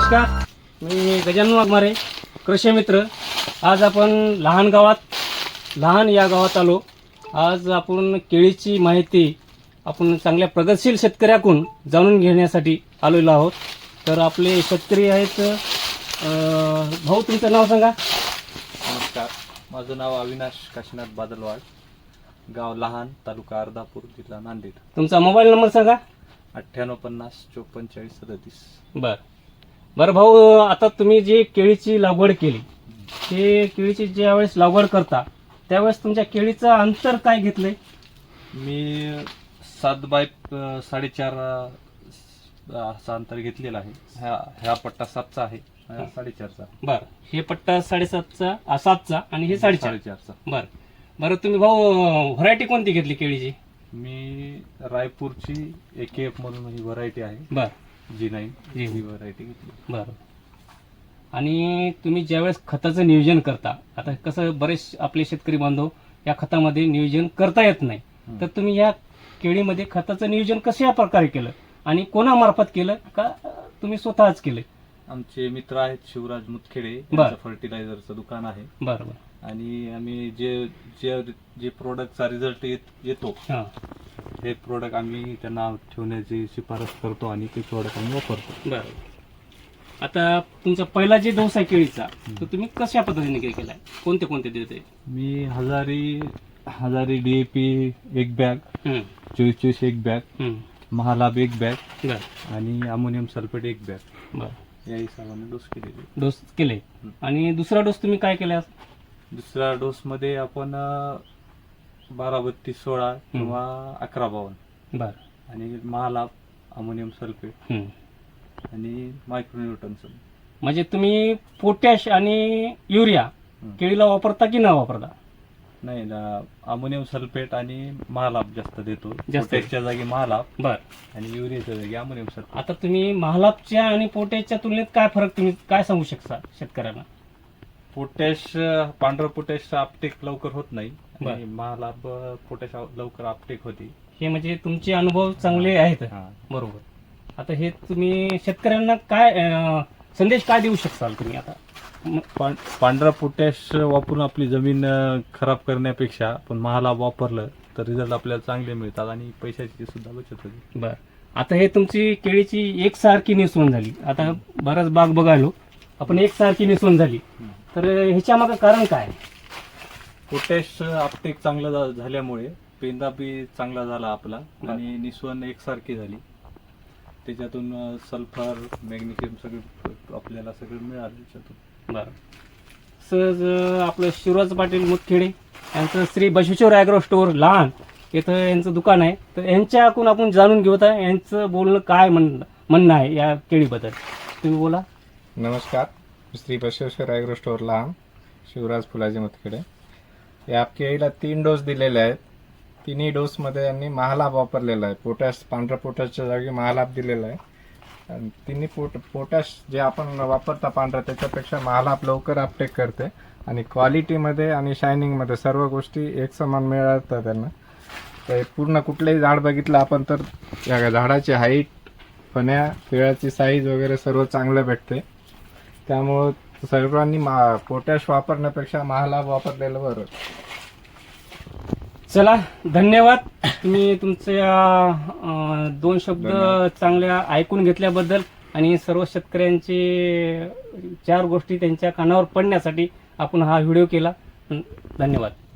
नमस्कार, मी गजानन वाघमारे, कृषी मित्र. आज आपण लहान या गावात आलो. आज आपण केळीची माहिती आपण चांगल्या प्रगतशील शेतकऱ्याकडून जाणून घेण्यासाठी आलेलो आहोत. तर आपले शेतकरी आहेत. भाऊ, तुमचं नाव सांगा. नमस्कार, माझं नाव अविनाश काशीनाथ बादलवाड, गाव लहान, तालुका अर्धापूर, जिल्हा नांदेड. तुमचा मोबाईल नंबर सांगा. 9850 54 37. बरं भाऊ, आता तुम्ही जी केळीची लागवड केली, ते केळीची ज्यावेळेस लागवड करता त्यावेळेस तुमच्या केळीचं अंतर काय घेतलंय? मी 7 बाय 4.5 असा अंतर घेतलेला आहे. ह्या पट्टा 7चा आहे, हा 4.5चा. बरं, हे पट्टा 7.5चा 7चा आणि हे 4.5चा. बरं तुम्ही भाऊ व्हरायटी कोणती घेतली केळीची? मी रायपूरची AKF म्हणून ही व्हरायटी आहे. बरं, G9 ही व्हरायटी घेतली. बरं. आणि तुम्ही ज्यावेळेस खताचं नियोजन करता, आता कसं बरेच आपले शेतकरी बांधव या खतामध्ये नियोजन करता येत नाही, तर तुम्ही या केळीमध्ये खताचं नियोजन कशा प्रकारे केलं आणि कोणामार्फत केलं का तुम्ही स्वतःच केलं? आमचे मित्र आहेत शिवराज मुतखेडे, बरं. फर्टिलायझरचं दुकान आहे. बरं. आणि आम्ही जे प्रोडक्टचा रिझल्ट येतो हे प्रोडक्ट आम्ही त्यांना ठेवण्याची शिफारस करतो आणि ते प्रोडक्ट आम्ही वापरतो. बरं. आता तुमचा पहिला जे डोस आहे केळीचा, तो तुम्ही कशा पद्धतीने केलाय? कोणते देते? मी हजारी DAP 1 bag, 24 1 bag, Mahalabh 1 bag आणि अमोनियम सल्फेट 1 बॅग, या हिशोबाने डोस केले. आणि दुसरा डोस तुम्ही काय केला? दुसऱ्या डोस मध्ये आपण 12-32-16 किंवा 11-52 आणि महालाभ, अमोनियम सल्फेट आणि मायक्रोन्यूटनचं. म्हणजे तुम्ही पोटॅश आणि युरिया केळीला वापरता की न वापरता? नाही, अमोनियम सल्फेट आणि महालाभ जास्त देतो. पोटॅशच्या जागी महालाभ आणि युरियाच्या जागी अमोनियम सल्फेट. आता तुम्ही महालाभच्या आणि पोटॅशच्या तुलनेत काय फरक तुम्ही काय सांगू शकता शेतकऱ्यांना? पोटॅश, पांढरं पोटॅश अपटेक लवकर होत नाही आणि महालाभ पोटॅश लवकर अपटेक होते. हे म्हणजे तुमचे अनुभव चांगले आहेत. बरोबर. आता हे तुम्ही शेतकऱ्यांना काय संदेश काय देऊ शकाल तुम्ही? आता पांढरा पोटॅश वापरून आपली जमीन खराब करण्यापेक्षा आपण महालाभ वापरलं तर रिझल्ट आपल्याला चांगले मिळतात आणि पैशाची सुद्धा बचत होते. बरं. आता हे तुमची केळीची एकसारखी निसवण झाली. आता बराच बाग बघायलो आपण, एकसारखी निसवण झाली, तर ह्याच्या मागं कारण काय? पोटॅश अपटेक चांगलं झाल्यामुळे पेंदा बी चांगला झाला आपला आणि निसवण एकसारखी झाली. त्याच्यातून सल्फर, मॅग्नेशियम सगळं आपल्याला मिळालं त्याच्यातून. बरं. सहज आपलं शिवराज पाटील मुतखेडे यांचं श्री बसवेश्वर ॲग्रो स्टोअर लहान इथं यांचं दुकान आहे. तर यांच्याकडून आपण जाणून घेऊ आता यांचं बोलणं काय म्हणणं आहे या केळीबद्दल. तुम्ही बोला. नमस्कार, श्री बसवेश्वर ॲग्रो स्टोअर लहान, शिवराज फुलाजी मुतखेडे. या केळीला 3 डोस दिलेले आहेत. तिन्ही डोसमध्ये यांनी महालाभ वापरलेला आहे. पोटॅश, पांढऱ्या पोटॅशच्या जागी महालाभ दिलेला आहे. आणि तिन्ही पोटॅश जे आपण वापरता पांढरा त्याच्यापेक्षा महालाभ लवकर अपटेक करते आणि क्वालिटीमध्ये आणि शायनिंगमध्ये सर्व गोष्टी एक समान मिळतात त्यांना. तर पूर्ण कुठलंही झाड बघितलं आपण तर या झाडाची हाईट, फण्या, पिळाची साईज वगैरे सर्व चांगलं भेटते. त्यामुळं सर्वांनी पोटॅश वापरण्यापेक्षा महालाभ वापरलेलं बरं. चला, धन्यवाद. तुम्ही तुमच्या 2 शब्द चांगल्या ऐकून घेतल्याबद्दल आणि सर्व शेतकऱ्यांचे 4 गोष्टी त्यांच्या कानावर पडण्यासाठी आपण हा व्हिडिओ केला. धन्यवाद.